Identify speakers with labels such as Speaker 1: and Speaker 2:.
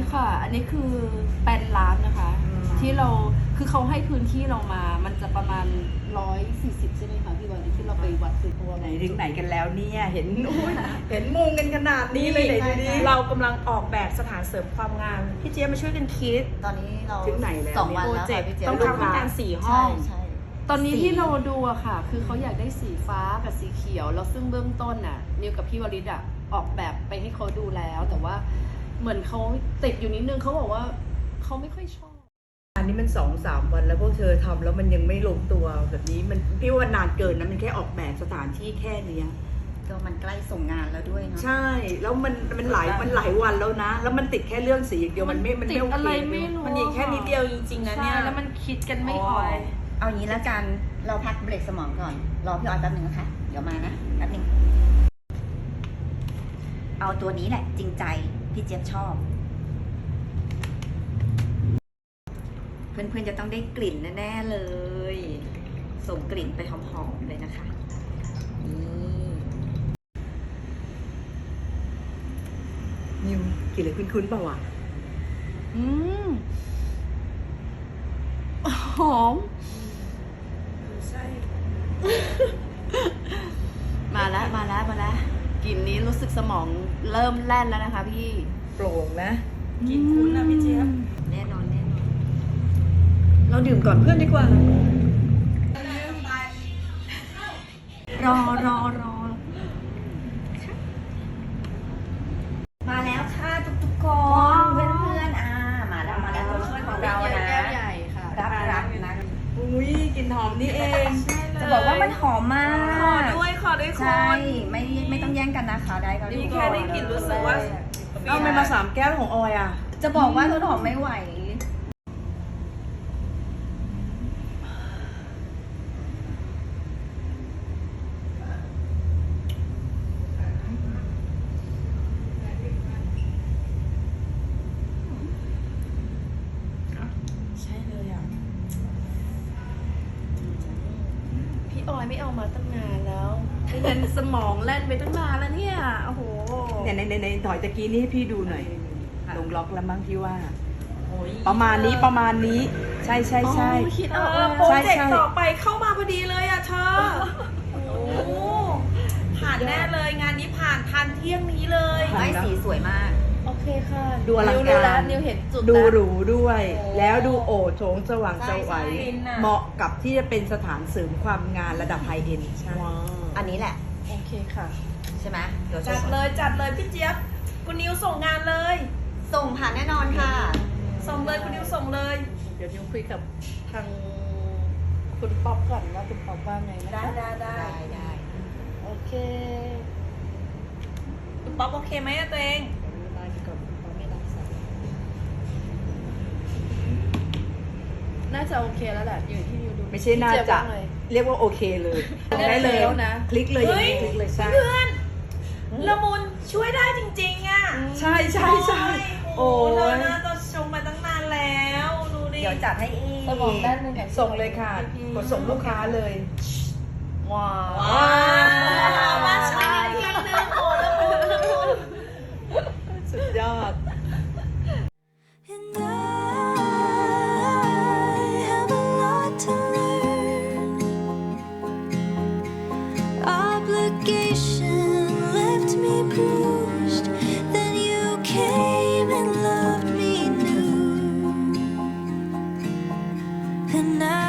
Speaker 1: ค่ะ อันนี้คือแปลนร้านนะคะ ที่เราคือเขาให้พื้นที่เรามามันจะประมาณ140ใช่ไหมคะพี่วันที่เราไปวัดคือตัว
Speaker 2: ไหนถึงไหนกันแล้วเนี่ยเห็นเห็นมุงกันขนาดนี้เลยไหนดูดิ
Speaker 3: เรากำลังออกแบบสถานเสริมความงามพี่เจี๊ยบมาช่วยกันคิด
Speaker 4: ตอนนี้เรา
Speaker 2: ถึงไหนแล้ว
Speaker 4: 2 วันแล้วค่ะพี่เจี๊ยบ
Speaker 3: ต้องทำการ4 ห้
Speaker 4: ใช่
Speaker 3: อง
Speaker 4: ใช่
Speaker 1: ตอนนี้ที่เราดูอะค่ะ คือเขาอยากได้สีฟ้ากับสีเขียวแล้วซึ่งเบื้องต้นน่ะนิวกับพี่วริศอะออกแบบไปให้เขาดูแล้ว แต่ว่าเหมือนเขาติดอยู่นิดนึงเขาบอกว่าเขาไม่ค่อยชอบ
Speaker 2: อันนี้มัน2-3 วันแล้วพวกเธอทำแล้วมันยังไม่ลงตัวแบบนี้มันพี่ว่านานเกินนะมันแค่ออกแบบสถานที่แค่เนี้ย
Speaker 4: ก็มันใกล้ส่งงานแล้วด้วยเนาะ
Speaker 2: ใช่แล้วมันหลายวันแล้วนะ แล้วมันติดแค่เรื่องสีอย่างเดียวมันไม่
Speaker 1: ติด
Speaker 2: โอ
Speaker 1: อะไร
Speaker 2: เค
Speaker 1: ไม่รู้
Speaker 3: มันอีกแค่นิดเดียวจริงๆนะ
Speaker 1: ใช่
Speaker 3: เนี่ย
Speaker 1: แล้วมันคิดกันไม่ออก
Speaker 4: เอางี้แล้วกันเราพักเบรกสมองก่อน รอพี่ออยแป๊บนึงนะคะ เดี๋ยวมานะแป๊บนึงเอาตัวนี้แหละ จริงใจพี่เจี๊ยบชอบ เพื่อนๆจะต้องได้กลิ่นแน่ๆเลย ส่งกลิ่นไปหอมๆเลยนะคะนี่
Speaker 2: นิวกลิ่นอะไรคุ้นๆเปล่าวะ
Speaker 1: อืมหอม
Speaker 3: ใช่
Speaker 1: มาแล้วกลิ่นนี้รู้สึกสมองเริ่มแล่นแล้วนะคะพี่
Speaker 2: โปร่งนะ
Speaker 3: กินคุ้นนะพี่เจี๊ยบ
Speaker 4: แน่นอน
Speaker 2: เราดื่มก่อนเพื่อนดีกว่า
Speaker 4: รอมาแล้วค่ะทุกคนเพื่อนๆมาแล้วตัวช่วยของเรานะ
Speaker 1: แก้วใหญ่ค่ะ
Speaker 4: รับนะ
Speaker 2: อุ้ยกลิ่นหอมนี่เอง
Speaker 4: จะบอกว่ามันหอมมาก
Speaker 3: ขอด้วยคุ
Speaker 4: ใช่
Speaker 3: ณ
Speaker 4: ไม่ต้องแย่งกันนะคะได้ก็
Speaker 3: นี่แค่ได้กลิ่นรู้สึกว่า
Speaker 2: เอาไปมา3 แก้วของออยอ่ะ
Speaker 4: จะบอกว่าต้นหอมไม่ไหว
Speaker 3: ใช่เลยอ่ะ
Speaker 1: พี่ออยไม่เอามาตั้งนานแล้วไม่งั้นสมองแล่นไปตั้งนานแล้วเนี่ย โอ้โห
Speaker 2: ในถอยตะกี้นี้ให้พี่ดูหน่อย ลงล็อกแล้วมั้งพี่ว่า
Speaker 3: โอ้ย
Speaker 2: ประมาณนี้ใช่
Speaker 1: คิด
Speaker 3: เอ
Speaker 1: เอา
Speaker 3: อโปรเจกต์ต่อไปเข้ามาพอดีเลยอ่ะเธอ โอ้ผ่านแน่เลยงานนี้ผ่านทันเที่ยงนี้เลย
Speaker 4: ไม่สีสวยมาก
Speaker 1: โอเคค่ะ
Speaker 2: ดูอลัง
Speaker 1: นิวรู้แล้
Speaker 2: กาว ร
Speaker 1: นิวเห็นจุด
Speaker 2: ดู
Speaker 1: แล้ว
Speaker 2: หรูด้วย
Speaker 3: โอ้
Speaker 2: แล้วดูโอโถงสว่างสวัย
Speaker 3: ใช่ๆ
Speaker 2: เหมาะกับที่จะเป็นสถานเสริมความงานระดับไฮเอ็นด์ใช่
Speaker 1: ว้าว
Speaker 4: อันนี้แหละ
Speaker 1: โอเคค่ะ
Speaker 4: ใช่ไหมเดี๋ยว
Speaker 3: จัดเลยพี่เจี๊ยบคุณนิวส่งงานเลย
Speaker 4: ส่งผ่านแน่นอนค่ะ
Speaker 3: ส่งเลยคุณนิวส่งเลย
Speaker 1: เดี๋ยวนิวคุยกับทางคุณป๊อปก่อนว่าคุณป๊อปว่าไงนะ
Speaker 3: ได้
Speaker 4: ได้
Speaker 1: โอเค
Speaker 3: คุณป๊อปโอเคไหมอะตัวเอง
Speaker 1: ไลน์ก่อนคุณป๊อปไม่รับสายน่าจะโอเคแล้วแหละอยู่ที่นิวดู
Speaker 2: ไม่ใช่น่า
Speaker 1: พี่เย
Speaker 2: จะ
Speaker 1: บว่ไง
Speaker 2: เรียกว่าโอเคเลยได้เลย
Speaker 1: แล้วนะ
Speaker 2: คลิกเลยอย่างนี้
Speaker 3: เฮ้ย
Speaker 2: คลิกเลยใช่
Speaker 3: เพื่อนละมุนช่วยได้จริงๆอ่ะ
Speaker 2: ใช่โอ้
Speaker 3: โอ้
Speaker 2: ย
Speaker 3: เธอน่าจะชมมาตั้งนานแล้วดูดิ
Speaker 4: เดี๋ยวจัดให้อีก
Speaker 1: สมองด้านหนึง
Speaker 2: ส่งเลยค่ะกดส่งลูกค้าเลย
Speaker 1: ว้าว
Speaker 3: ว้าวมาช่วยอีกทีนึงโอ้ละมุน
Speaker 2: สุดยอด
Speaker 5: And I have a lot to learn. Obligation left me bruised. Then you came and loved me new. And I